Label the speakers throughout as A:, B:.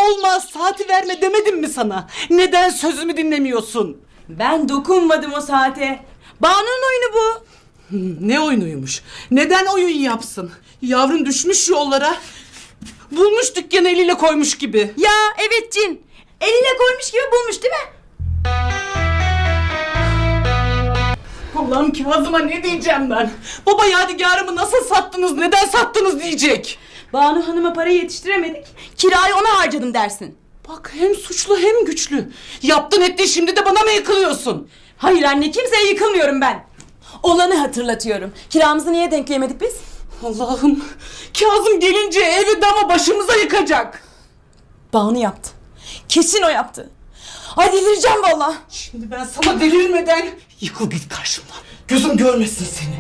A: olmaz. Saati verme demedim mi sana? Neden sözümü dinlemiyorsun?
B: Ben dokunmadım o saate. Banu'nun oyunu bu.
A: Ne oyunuymuş? Neden oyun yapsın? Yavrun düşmüş yollara. Bulmuş dükkanı eliyle koymuş gibi.
B: Ya evet cin. Eline koymuş gibi bulmuş değil mi?
A: Allah'ım Kazım'a ne diyeceğim ben? Baba yadigarımı nasıl sattınız, neden sattınız diyecek.
B: Banu Hanım'a para yetiştiremedik. Kirayı ona harcadım dersin.
A: Bak hem suçlu hem güçlü. Yaptın ettin, şimdi de bana mı yıkılıyorsun?
B: Hayır anne, kimseye yıkılmıyorum ben. Olanı hatırlatıyorum. Kiramızı niye denkleyemedik biz?
A: Allah'ım, Kazım gelince evi dama başımıza yıkacak.
B: Banu yaptı. Kesin o yaptı. Ay delireceğim valla.
A: Şimdi ben sana delirmeden yıkıl git karşımdan. Gözüm görmesin seni.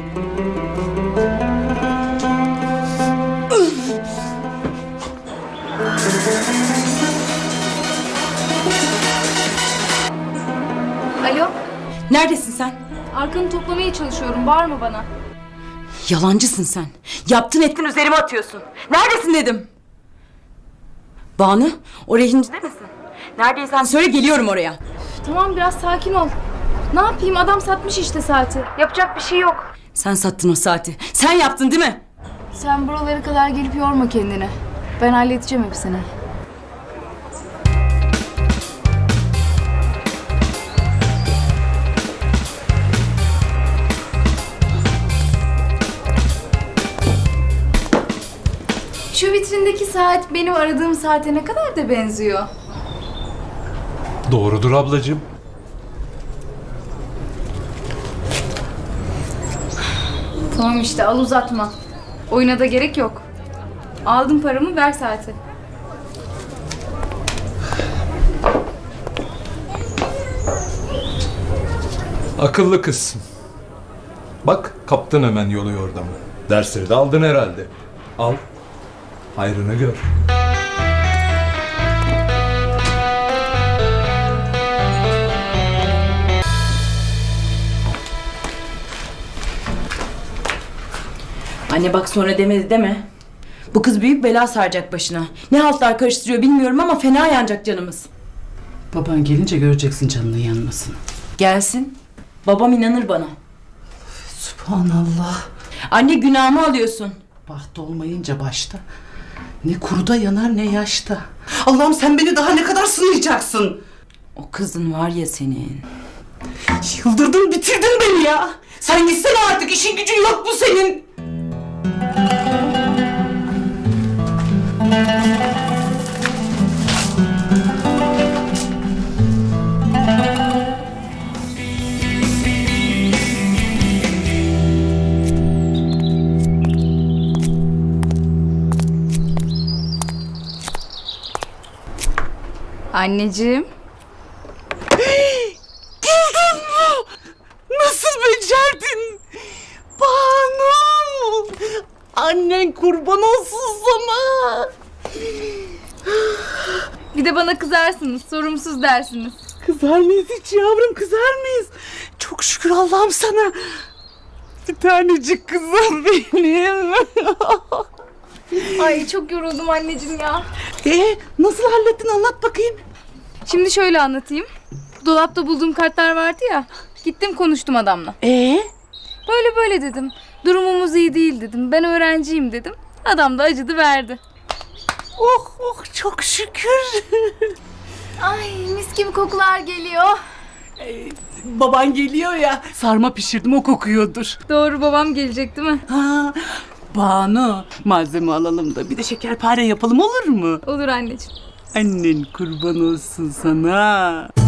C: Alo,
B: Neredesin sen?
C: arkanı toplamaya çalışıyorum. Bağırma bana.
B: Yalancısın sen. Yaptın ettin üzerime atıyorsun. Neredesin dedim. Banu, o rehincide misin? Neredeysen söyle, geliyorum oraya.
C: Tamam, biraz sakin ol. Ne yapayım? Adam satmış işte saati. Yapacak bir şey yok.
B: Sen sattın o saati. Sen yaptın değil mi?
C: Sen buralara kadar gelip yorma kendini. Ben halledeceğim hepsini. Şu vitrindeki saat benim aradığım saate ne kadar da benziyor.
D: Doğrudur ablacığım.
C: Tamam işte, al uzatma. Oyuna da gerek yok. Aldım paramı, ver saati.
D: Akıllı kızsın. Bak kaptın hemen yolu yordamı. Dersleri de aldın herhalde. Al. Hayrını gör.
B: Anne bak, sonra demedi deme. Bu kız büyük bela saracak başına. Ne haltlar karıştırıyor bilmiyorum ama fena yanacak canımız.
A: Baban gelince göreceksin canının yanmasını.
B: Gelsin. Babam inanır bana.
A: Subhanallah.
B: Anne, günahımı alıyorsun.
A: Baht olmayınca başta. Ne kuruda yanar ne yaşta. Allah'ım sen beni daha ne kadar sınayacaksın?
B: O kızın var ya senin.
A: Yıldırdın bitirdin beni ya. Sen gitsene artık, işin gücün yok mu senin?
C: Anneciğim.
A: Buldun mu? Nasıl becerdin? Banu! Annen kurban olsun sana.
C: Bir de bana kızarsınız, sorumsuz dersiniz.
A: Kızar mıyız hiç yavrum, kızar mıyız? Çok şükür Allah'ım sana. Bir tanecik kızım benim.
C: Ay çok yoruldum anneciğim ya.
A: Nasıl hallettin, anlat bakayım.
C: Şimdi şöyle anlatayım. Dolapta bulduğum kartlar vardı ya. Gittim konuştum adamla. Böyle böyle dedim. Durumumuz iyi değil dedim. Ben öğrenciyim dedim. Adam da acıdı verdi.
A: Oh oh, çok şükür.
C: Ay mis gibi kokular geliyor.
A: Baban geliyor ya, sarma pişirdim, o kokuyordur.
C: Doğru, babam gelecek değil mi?
A: Ha, Banu, malzeme alalım da bir de şekerpare yapalım, olur mu?
C: Olur anneciğim.
A: Annen kurban olsun sana.